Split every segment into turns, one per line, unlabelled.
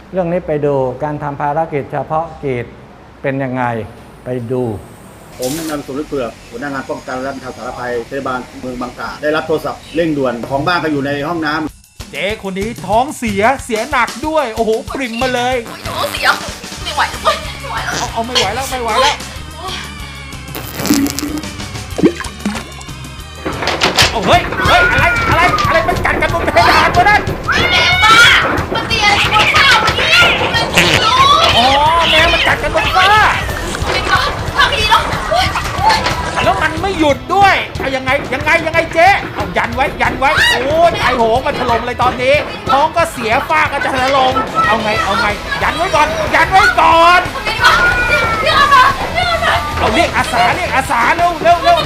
เรื่องนี้ไปดูการทำภารกิจเฉพาะกิจเป็นยังไงไปดู
ผมนายสมฤทธิ์เผือกหัวหน้างานป้องกันและบรรเทาสาธารณภัยเทศบาลเมืองบางกาได้รับโทรศัพท์เร่งด่วนของบ้านก็อยู่ในห้องน้ำ
เจ๊คนนี้ท้องเสียหนักด้วยโอ้โหปริ่มมาเลย
ท้องเสียไม่ไหวแล้วไม่ไหวแล้ว
เอาไม่ไหวแล้วเอาเฮ้ยอะไรมันกัดกันบนเพดานวะนั่น
แมวบ้ามันตีอะไรบนฝ้าวันนี้มันกินลูก
อ๋อแมวมันกัดกันบนฝ้า
ทำดีแล้ว
แล้วมันไม่หยุดด้วยเอายังไงเจ๊เอายันไว้โอ้ยไอโหงมันถล่มเลยตอนนี้ท้องก็เสียฝ้าก็จะถล่มเอาไงยันไว้ก่อนเอาเรียกอาสาเร็ว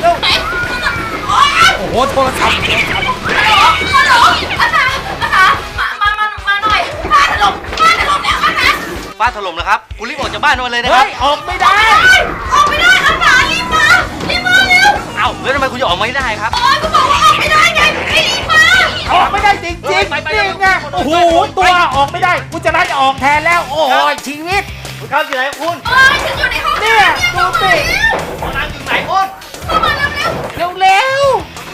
โอ้โหโทรศัพท์
ฮัลโหลอาสามาหน่อยฟ้าถล่มแล้วอาสา
ฟ้าถล่มนะครับคุณรีบออกจากบ้านมาเลยนะครับ
ออกไม่ได้
อาสารีบมาเร็ว
เอ้าแล้วทำไมคุณจะออกไม่ได้ครับ
ก็บอกว่าออกไม่ได้ไงรีบมา
ออกไม่ได้จริงนี่ไงโอ้โหตัวออกไม่ได้กูจะจะออกแทนแล้วโอ้ยชีวิต
คุณเข้าอยู่ไหนคุณ
ฉันอยู่ในห้อง
เนี่ยดูสิ
ห้องน้ำอยู่ไหนคุณ
เข้ามาเ
ร็ว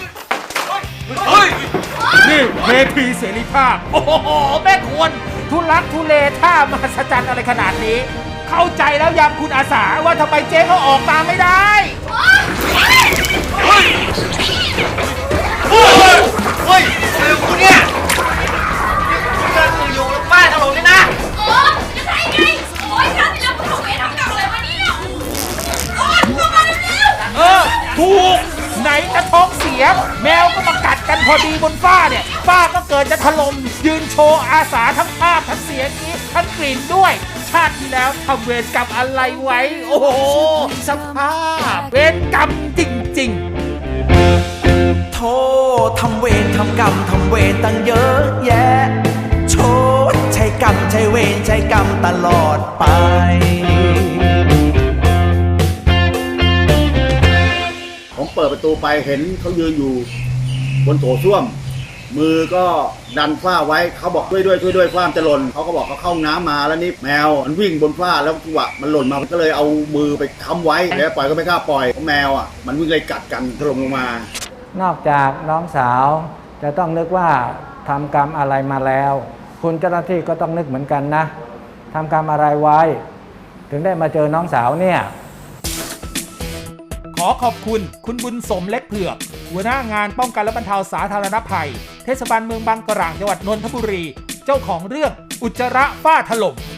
นี่เทพีเสรีภาพโอ้โหแม่ควรทุลักทุเลท่ามหัศจรรย์อะไรขนาดนี้เข้าใจแล้วยังคุณอาสาว่าทำไมเจ๊เขาออกมาไม่ได้
เฮ้ยคุณเนี่ยคุณกำลังอยู่แล้วป้าถล่มเลยนะ
จะใช่ไงโอ้ยชาติแล้วคุณถูกเวรทำเก่าอะไรวะเนี่ยเข้ามาเร็ว
ถูกไหนจะท้องเสียแมวก็มากัดกันพอดีบนฝ้าเนี่ยฝ้าก็เกิดจะถล่มยืนโชว์อาสาทั้งภาพทั้งเสียงนี้ทั้งกลิ่นด้วยชาติที่แล้วทำเวรกรรมอะไรไว้โอ้โหสภาพเวรกรรมจริง
ๆโทษทำเวรทำกรรมทำเวรตั้งเยอะแยะโชดใช้กรรมใช้เวรใช้กรรมตลอดไป
ผมเปิดประตูไปเห็นเขายืนอยู่บนโถส้วมมือก็ดันฝ้าไว้เขาบอกช่วยด้วยฝ้าจะหล่นเขาก็บอกเขาเข้าน้ำมาแล้วนี่แมวมันวิ่งบนฝ้าแล้วจังหวะมันหล่นมาก็เลยเอามือไปค้ำไว้แล้วปล่อยก็ไม่กล้าปล่อยเพราะแมวมันวิ่งเลยกัดกันถล่มลงม
านอกจากน้องสาวจะต้องนึกว่าทำกรรมอะไรมาแล้วคุณเจ้าหน้าที่ก็ต้องนึกเหมือนกันนะทำกรรมอะไรไว้ถึงได้มาเจอน้องสาวเนี่ย
ขอขอบคุณคุณบุญสมเล็กเผือกหัวหน้างานป้องกันและบรรเทาสาธารณภัยเทศบาลเมืองบางกะหร่างจังหวัดนนทบุรีเจ้าของเรื่องอุจจาระฝ้าถล่ม